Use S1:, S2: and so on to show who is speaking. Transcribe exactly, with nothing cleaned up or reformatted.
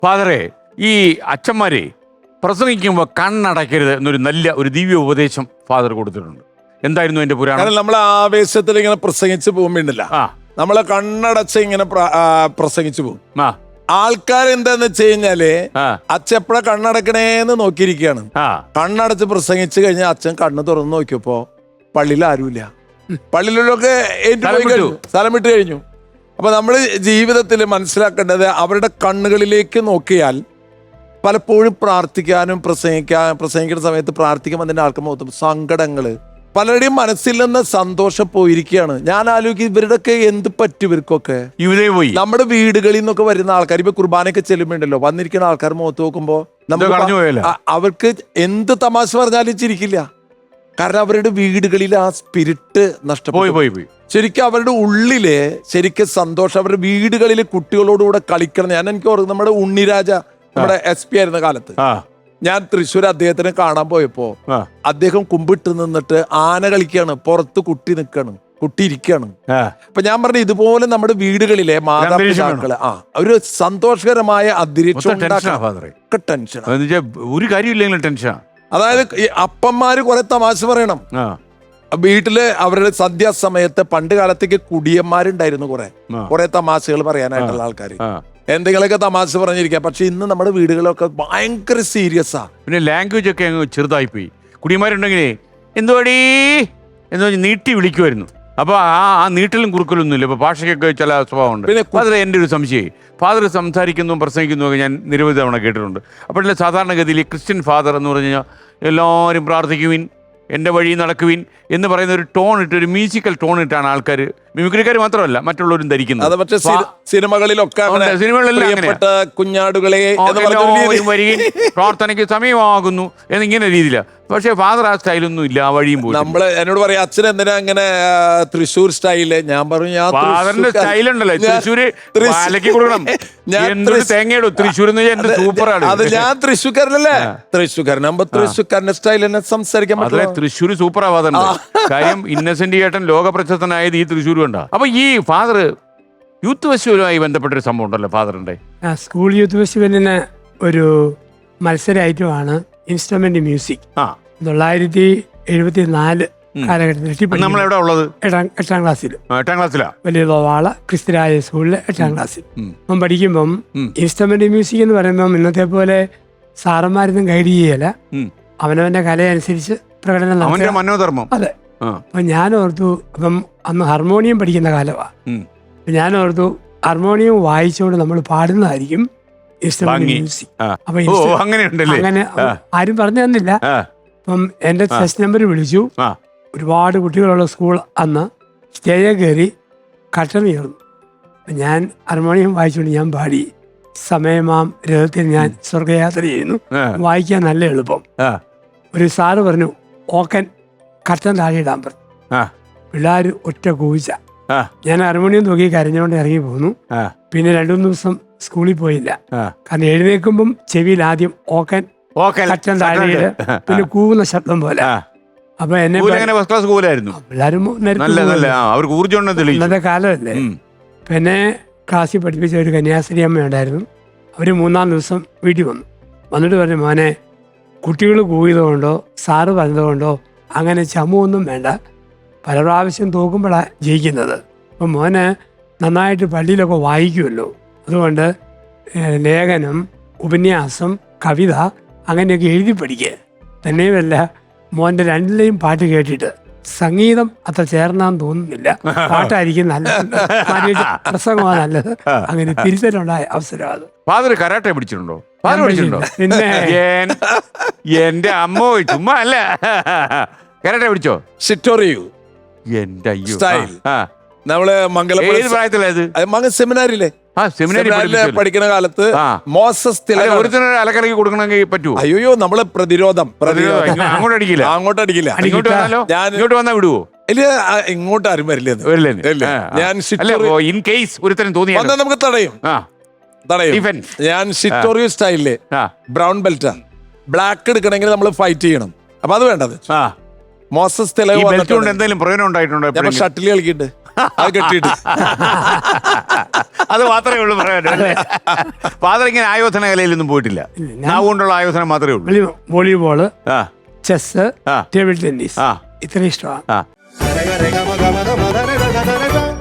S1: ഫാദറെ, ഈ അച്ഛന്മാരെ പ്രസംഗിക്കുമ്പോൾ കണ്ണടയ്ക്കരുത് എന്നൊരു നല്ല ഒരു ദിവ്യ ഉപദേശം ഫാദർ കൊടുത്തിട്ടുണ്ട്. എന്തായിരുന്നു എന്റെ പുരാണം?
S2: നമ്മൾ ആവേശത്തിൽ ഇങ്ങനെ പ്രസംഗിച്ച് പോകുമ്പോണ്ടല്ല, നമ്മളെ കണ്ണടച്ച് ഇങ്ങനെ പ്രസംഗിച്ചു പോകും. ആൾക്കാർ എന്താന്ന് വെച്ച് കഴിഞ്ഞാല് അച്ഛൻ എപ്പോഴാ കണ്ണടക്കണേന്ന് നോക്കിയിരിക്കുകയാണ്. കണ്ണടച്ച് പ്രസംഗിച്ചു കഴിഞ്ഞാൽ അച്ഛൻ കണ്ണ് തുറന്ന് നോക്കിയപ്പോ പള്ളിയിൽ ആരുമില്ല. പള്ളിയിലൊക്കെ ഏറ്റുപോയി കഴിഞ്ഞു, സ്ഥലം വിട്ട് കഴിഞ്ഞു. അപ്പൊ നമ്മൾ ജീവിതത്തിൽ മനസ്സിലാക്കേണ്ടത് അവരുടെ കണ്ണുകളിലേക്ക് നോക്കിയാൽ പലപ്പോഴും പ്രാർത്ഥിക്കാനും പ്രസംഗിക്കാൻ പ്രസംഗിക്കുന്ന സമയത്ത് പ്രാർത്ഥിക്കുമ്പോൾ അതിന്റെ ആൾക്കാർ മൊത്തം സങ്കടങ്ങള്, പലരുടെയും മനസ്സിൽ നിന്ന് സന്തോഷം പോയിരിക്കുകയാണ്. ഞാൻ ആലോചിക്കും ഇവരുടെയൊക്കെ എന്ത് പറ്റും ഇവർക്കൊക്കെ. പോയി നമ്മുടെ വീടുകളിൽ നിന്നൊക്കെ വരുന്ന ആൾക്കാർ ഇപ്പൊ കുർബാനയൊക്കെ ചെല്ലുമ്പോണ്ടല്ലോ, വന്നിരിക്കുന്ന ആൾക്കാർ മുഖത്ത് നോക്കുമ്പോ നമുക്ക് അവർക്ക് എന്ത് തമാശ പറഞ്ഞാലും ചിരിക്കില്ല. കാരണം അവരുടെ വീടുകളിൽ ആ സ്പിരിറ്റ് നഷ്ടപ്പെട്ടു. ശരിക്കും അവരുടെ ഉള്ളില് ശരിക്കും സന്തോഷം അവരുടെ വീടുകളിൽ കുട്ടികളോടുകൂടെ കളിക്കണം. ഞാൻ എനിക്ക് ഓർക്കുന്നു നമ്മുടെ ഉണ്ണിരാജ നമ്മുടെ എസ് പി ആയിരുന്ന കാലത്ത് ഞാൻ തൃശ്ശൂർ അദ്ദേഹത്തിനെ കാണാൻ പോയപ്പോ അദ്ദേഹം കുമ്പിട്ട് നിന്നിട്ട് ആന കളിക്കാണ്, പുറത്ത് കുട്ടി നിൽക്കാണ്, കുട്ടി ഇരിക്കാണ്. അപ്പൊ ഞാൻ പറഞ്ഞു ഇതുപോലെ നമ്മുടെ വീടുകളിലെ മാതാപിതാക്കള് ആ ഒരു സന്തോഷകരമായ അന്തരീക്ഷം ടെൻഷൻ
S1: ഒരു കാര്യമില്ലെങ്കിലും ടെൻഷൻ.
S2: അതായത് ഈ അപ്പന്മാര് കുറെ തമാശ പറയണം വീട്ടില്. അവരുടെ സന്ധ്യാസമയത്ത് പണ്ട് കാലത്തേക്ക് കുടിയന്മാരുണ്ടായിരുന്നു, കുറെ കുറെ തമാശകൾ പറയാനായിട്ടുള്ള ആൾക്കാർ, എന്തെങ്കിലുമൊക്കെ തമാശ പറഞ്ഞിരിക്കാം. പക്ഷെ ഇന്ന് നമ്മുടെ വീടുകളൊക്കെ ഭയങ്കര സീരിയസാ.
S1: പിന്നെ ലാംഗ്വേജ് ഒക്കെ അങ്ങ് ചെറുതായി പോയി. കുടിയന്മാരുണ്ടെങ്കിലേ എന്തുവാടീ എന്ന് പറഞ്ഞ് നീട്ടി വിളിക്കുമായിരുന്നു. അപ്പൊ ആ ആ നീട്ടലും കുറുക്കലൊന്നും ഇല്ല. ഇപ്പൊ ഭാഷയ്ക്കൊക്കെ ചില സ്വഭാവമുണ്ട്. പിന്നെ ഫാദർ എൻ്റെ ഒരു സംശയം, ഫാദർ സംസാരിക്കുന്നതും പ്രസംഗിക്കുന്നതും ഒക്കെ ഞാൻ നിരവധി തവണ കേട്ടിട്ടുണ്ട്. അപ്പോഴല്ലേ സാധാരണഗതിയിൽ ക്രിസ്ത്യൻ ഫാദർ എന്ന് പറഞ്ഞു കഴിഞ്ഞാൽ എല്ലാവരും പ്രാർത്ഥിക്കുവിൻ, എൻ്റെ വഴി നടക്കുവിൻ എന്ന് പറയുന്ന ഒരു ടോൺ ഇട്ട്, ഒരു മ്യൂസിക്കൽ ടോൺ ഇട്ടാണ് ആൾക്കാർ, മിമിക്രിക്കാർ മാത്രമല്ല മറ്റുള്ളവരും ധരിക്കുന്നത്.
S2: പക്ഷേ സിനിമകളിലൊക്കെ കുഞ്ഞാടുകളെ
S1: പ്രാർത്ഥനയ്ക്ക് സമയമാകുന്നു എന്നിങ്ങനെ രീതിയിലാണ്. പക്ഷെ ഫാദർ ആ സ്റ്റൈലൊന്നും ഇല്ല, ആ വഴിയും പോയി.
S2: നമ്മള് എന്നോട് പറയാം അച്ഛൻ എന്തിനാ അങ്ങനെ തൃശ്ശൂർ സ്റ്റൈല്? ഞാൻ പറഞ്ഞു ഞാൻ
S1: ഫാദറിന്റെ സ്റ്റൈലുണ്ടല്ലോ തൃശ്ശൂര് കൊടുക്കണം. തേങ്ങയിടും തൃശ്ശൂർ സൂപ്പറാണ്.
S2: അത് ഞാൻ തൃശ്ശൂർക്കാരനല്ലേ, തൃശ്ശൂർക്കാരനാകുമ്പോ തൃശ്ശൂർക്കാരന്റെ സ്റ്റൈൽ തന്നെ സംസാരിക്കാൻ പറ്റില്ല.
S1: തൃശ്ശൂർ സൂപ്പറാ ഫാദറിന്റെ കാര്യം. ഇന്നസെന്റ് ചേട്ടൻ ലോക പ്രശസ്തനായത് ഈ തൃശ്ശൂർ കൊണ്ടാ. അപ്പൊ ഈ ഫാദർ യൂത്ത് ഫെസ്റ്റിവലുമായി ബന്ധപ്പെട്ടൊരു സംഭവം ഉണ്ടല്ലോ ഫാദറിന്റെ.
S3: സ്കൂൾ യൂത്ത് ഫെസ്റ്റിവലിന് ഒരു മത്സര ഐറ്റമാണ് ഇൻസ്ട്രുമെന്റ് മ്യൂസിക്. തൊള്ളായിരത്തി എഴുപത്തി നാല് കാലഘട്ടത്തിൽ
S1: നമ്മളെവിടെ ഉള്ളത്?
S3: എട്ടാം എട്ടാം ക്ലാസ്സിൽ
S1: എട്ടാം ക്ലാസ്സിലാ
S3: വലിയ വാള ക്രിസ്ത്യരായ സ്കൂളിൽ എട്ടാം ക്ലാസ്സിൽ അപ്പം പഠിക്കുമ്പം ഇൻസ്ട്രുമെന്റ് മ്യൂസിക് എന്ന് പറയുമ്പം ഇന്നത്തെ പോലെ സാറന്മാരൊന്നും ഗൈഡ് ചെയ്യല, അവനവന്റെ കലയനുസരിച്ച് പ്രകടനം
S1: മനോധർമ്മം.
S3: അതെ. അപ്പൊ ഞാൻ ഓർത്തു, അപ്പം അന്ന് ഹാർമോണിയം പഠിക്കുന്ന കാലമാണ്. ഞാൻ ഓർത്തു ഹാർമോണിയം വായിച്ചുകൊണ്ട് നമ്മൾ പാടുന്നതായിരിക്കും ഇൻസ്ട്രുമെന്റ് മ്യൂസിക്. അപ്പൊ അങ്ങനെ ആരും പറഞ്ഞു തന്നില്ല. അപ്പം എന്റെ ടെസ്റ്റ് നമ്പർ വിളിച്ചു. ഒരുപാട് കുട്ടികളുള്ള സ്കൂൾ അന്ന്. സ്റ്റേജിൽ കയറി കട്ടൻ ഉയർന്നു. ഞാൻ ഹാർമോണിയം വായിച്ചുകൊണ്ട് ഞാൻ പാടി, സമയമാം രഥത്തിൽ ഞാൻ സ്വർഗയാത്ര ചെയ്യുന്നു. വായിക്കാൻ നല്ല എളുപ്പം. ഒരു സാറ് പറഞ്ഞു ഓക്കൻ കട്ടൻ താഴെ ഇടാൻ പറഞ്ഞു. പിള്ളേർ ഒറ്റ കൂച്ച. ഞാൻ ഹാർമോണിയം നോക്കി കരഞ്ഞുകൊണ്ട് ഇറങ്ങി പോന്നു. പിന്നെ രണ്ടു മൂന്ന് ദിവസം സ്കൂളിൽ പോയില്ല. കാരണം എഴുന്നേൽക്കുമ്പം ചെവിയിൽ ആദ്യം ഓക്കൻ കട്ടൻ താഴെ, പിന്നെ കൂവുന്ന ശബ്ദം പോലെ. അപ്പൊ എന്നെ പിള്ളേരും ഇന്നത്തെ കാലമല്ലേ. പിന്നെ ക്ലാസ്സിൽ പഠിപ്പിച്ച ഒരു കന്യാസ്ത്രീ അമ്മ ഉണ്ടായിരുന്നു. അവര് മൂന്നാം ദിവസം വീട്ടിൽ വന്നു. വന്നിട്ട് പറഞ്ഞു, മോനെ കുട്ടികൾ കൂവിയതുകൊണ്ടോ സാറ് പറഞ്ഞതുകൊണ്ടോ അങ്ങനെ ചമുവൊന്നും വേണ്ട, പല പ്രാവശ്യം തോക്കുമ്പോഴാണ് ജയിക്കുന്നത്. അപ്പം മോന് നന്നായിട്ട് പള്ളിയിലൊക്കെ വായിക്കുമല്ലോ, അതുകൊണ്ട് ലേഖനം, ഉപന്യാസം, കവിത അങ്ങനെയൊക്കെ എഴുതി പഠിക്കുക. തന്നെയുമല്ല മോൻ്റെ രണ്ടിലെയും പാട്ട് കേട്ടിട്ട് സംഗീതം അത്ര ചേർന്നാന്ന് തോന്നുന്നില്ല, പാട്ടായിരിക്കും നല്ലത്, പ്രസംഗമാണ് നല്ലത്. അങ്ങനെ തിരിച്ചലുണ്ടായ അവസരം അത്.
S1: ഫാദർ കരാട്ടെ പിടിച്ചിട്ടുണ്ടോ?
S3: പിന്നെ
S1: എന്റെ അമ്മ ചുമ്മാ അല്ല, കരാട്ടെ പിടിച്ചോ?
S2: ഷിറ്റോറിയു
S1: എന്റെ അയ്യോ
S2: നമ്മള് മംഗലം സെമിനാരിലെ പഠിക്കുന്ന കാലത്ത് മോസസ്
S1: അലക്കലക്കി കൊടുക്കണമെങ്കിൽ പറ്റുമോ?
S2: അയ്യോ നമ്മള് പ്രതിരോധം പ്രതിരോധം
S1: അങ്ങോട്ട് അടിക്കില്ല,
S2: അങ്ങോട്ട് അടിക്കില്ല.
S1: ഞാൻ ഇങ്ങോട്ട് വന്നാ വിടുവോ?
S2: ഇല്ല, ഇങ്ങോട്ട് ആരും വരില്ല. ഞാൻ
S1: ഇൻ കേസ് ഒരുത്തരം തോന്നി
S2: നമുക്ക് തടയും തടയും ഞാൻ ഷിറ്റോറിയോ സ്റ്റൈലില് ബ്രൗൺ ബെൽറ്റാ. ബ്ലാക്ക് എടുക്കണമെങ്കിൽ നമ്മൾ ഫൈറ്റ് ചെയ്യണം. അപ്പൊ അത് വേണ്ടത് മോസസ്
S1: എന്തെങ്കിലും പ്രയോജനം ഉണ്ടായിട്ടുണ്ടോ?
S2: ഷട്ടിൽ കളിക്കിട്ട് അത് കെട്ടിയിട്ട്.
S1: അത് മാത്രമേ ഉള്ളൂ പറയാൻ. ഫാദർ ഇങ്ങനെ ആയോധന കലയിലൊന്നും പോയിട്ടില്ല, നാവ് കൊണ്ടുള്ള ആയോധനം മാത്രമേ ഉള്ളൂ.
S3: വോളിബോള്,
S1: ആ
S3: ചെസ്,
S1: ആ
S3: ടേബിൾ ടെന്നീസ്,
S1: ആ
S3: ഇത്ര ഇഷ്ടമാണ്.
S1: ആ